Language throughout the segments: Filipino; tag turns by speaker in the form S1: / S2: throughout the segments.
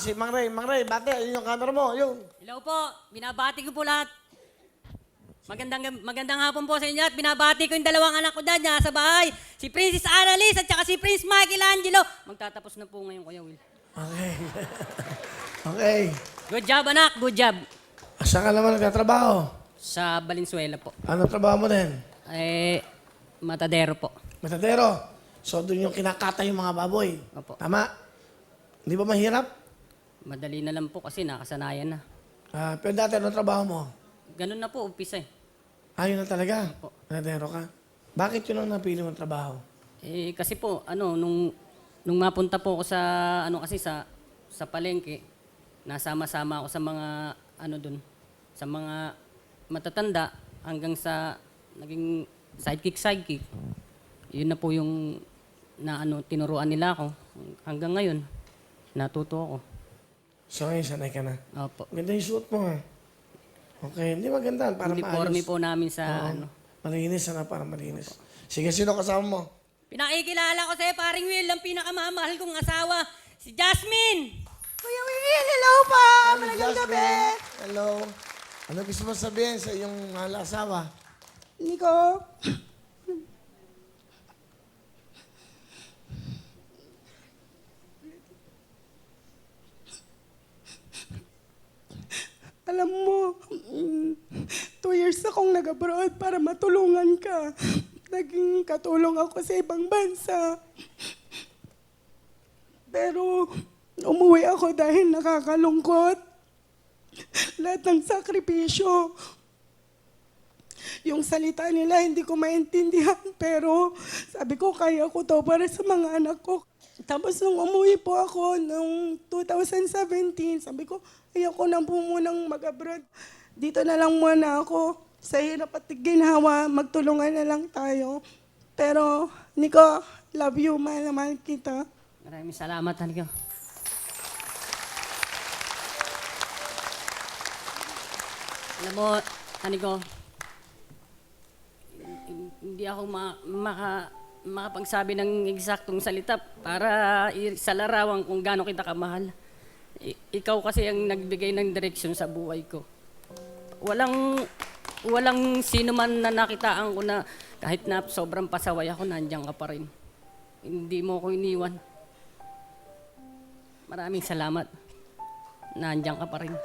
S1: si Mang Ray. Mang Ray, bate, yun yung camera mo, yun.
S2: Hello po, binabati ko po lahat. Magandang hapon po sa inyo at binabati ko yung dalawang anak ko dyan sa bahay. Si Princess Annalise at saka si Prince Michelangelo. Magtatapos na po ngayon, Kuya Will.
S1: Okay. Okay.
S2: Good job, anak. Good job.
S1: Saan ka naman nagtatrabaho?
S2: Sa Valenzuela po.
S1: Ano trabaho mo din?
S2: Matadero po.
S1: Matadero. So, doon yung kinakata yung mga baboy.
S2: Opo.
S1: Tama? Hindi ba mahirap?
S2: Madali na lang po kasi nakasanayan na.
S1: Pero dati, ano trabaho mo?
S2: Ganun na po, umpisa eh.
S1: Ayun na talaga?
S2: Opo.
S1: Matadero ka? Bakit yun ang napili mong trabaho?
S2: Kasi po, nung mapunta po ako sa, sa palengke, nasama-sama ako sa mga, dun, sa mga matatanda, hanggang sa naging sidekick. Yun na po yung, tinuruan nila ako. Hanggang ngayon, natuto ako.
S1: So, ngayon, sanay ka na?
S2: Opo.
S1: Ganda yung suot mo, ha? Okay, hindi maganda. Para
S2: Uniforme
S1: maayos.
S2: po namin sa,
S1: Malinis, para malinis. Sige, sino kasama mo?
S2: Pinakikilala ko sa'yo, paring Will, ang pinakamamahal kong asawa, si Jasmine!
S3: Kuya Will, hello po! Magandang gabi!
S1: Hello. Ano gusto mo sabihin sa iyong mahal asawa?
S3: Nico, alam mo, 2 years akong nag-abroad para matulungan ka. Naging katulong ako sa ibang bansa. Pero umuwi ako dahil nakakalungkot. Lahat ng sakripisyo. Yung salita nila hindi ko maintindihan, pero sabi ko kaya ko to para sa mga anak ko. Tapos nung umuwi po ako noong 2017, sabi ko ayoko na po munang mag-abroad. Dito na lang muna ako. Sa hirap at ginhawa, magtulungan na lang tayo. Pero, Nico, love you, mahal na mahal kita.
S2: Maraming salamat, Haniko. Alam mo, Haniko, hindi ako makapagsabi ng eksaktong salita para sa larawan kung gaano kita kamahal. Ikaw kasi ang nagbigay ng direksyon sa buhay ko. Walang sino man na nakitaan ko na kahit na sobrang pasaway ako, nandiyan ka pa rin. Hindi mo ko iniwan. Maraming salamat. Nandiyan ka pa rin.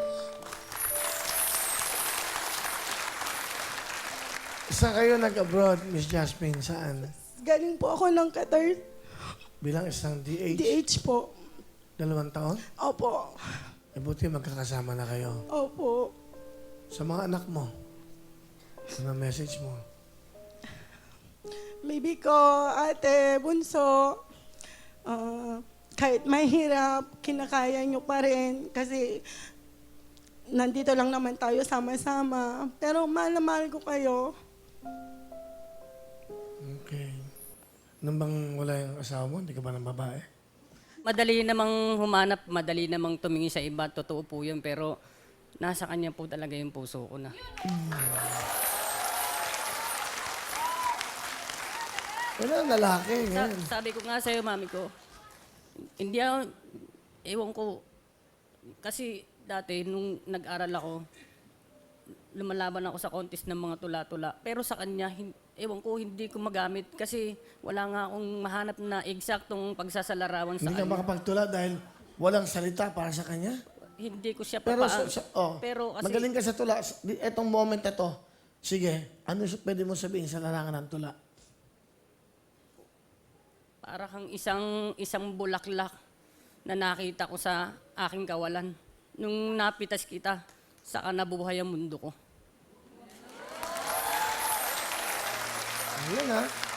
S1: Saan kayo nag-abroad, Miss Jasmine? Saan?
S3: Galing po ako ng Qatar.
S1: Bilang isang DH?
S3: DH po.
S1: 2 taon?
S3: Opo.
S1: Buti magkakasama na kayo.
S3: Opo.
S1: Sa mga anak mo, ano message mo?
S3: Baby ko, ate, bunso, kahit mahirap, kinakaya nyo pa rin kasi nandito lang naman tayo sama-sama. Pero mahal na mahal ko kayo.
S1: Okay. Nung bang wala yung asawa mo, hindi ka ba ng babae?
S2: Madali namang humanap, madali namang tumingin sa iba. Totoo po yun, pero nasa kanya po talaga yung puso ko na.
S1: Wala, lalaki.
S2: Sabi ko nga sa'yo, mami ko, hindi ako, ewan ko, kasi dati nung nag-aral ako, lumalaban ako sa contest ng mga tula-tula. Pero sa kanya, ewan ko, hindi ko magamit kasi wala nga akong mahanap na eksaktong pagsasalarawan sa
S1: Hindi ka
S2: kanya.
S1: makapagtula dahil walang salita para sa kanya?
S2: Hindi ko siya
S1: Pero,
S2: papaan. Pero kasi,
S1: magaling ka sa tula. Etong moment na to, sige, ano pwede mo sabihin sa larangan ng tula?
S2: para kang isang bulaklak na nakita ko sa aking kawalan. Nung napitas kita, saka nabuhay ang mundo ko.
S1: Ayun ha.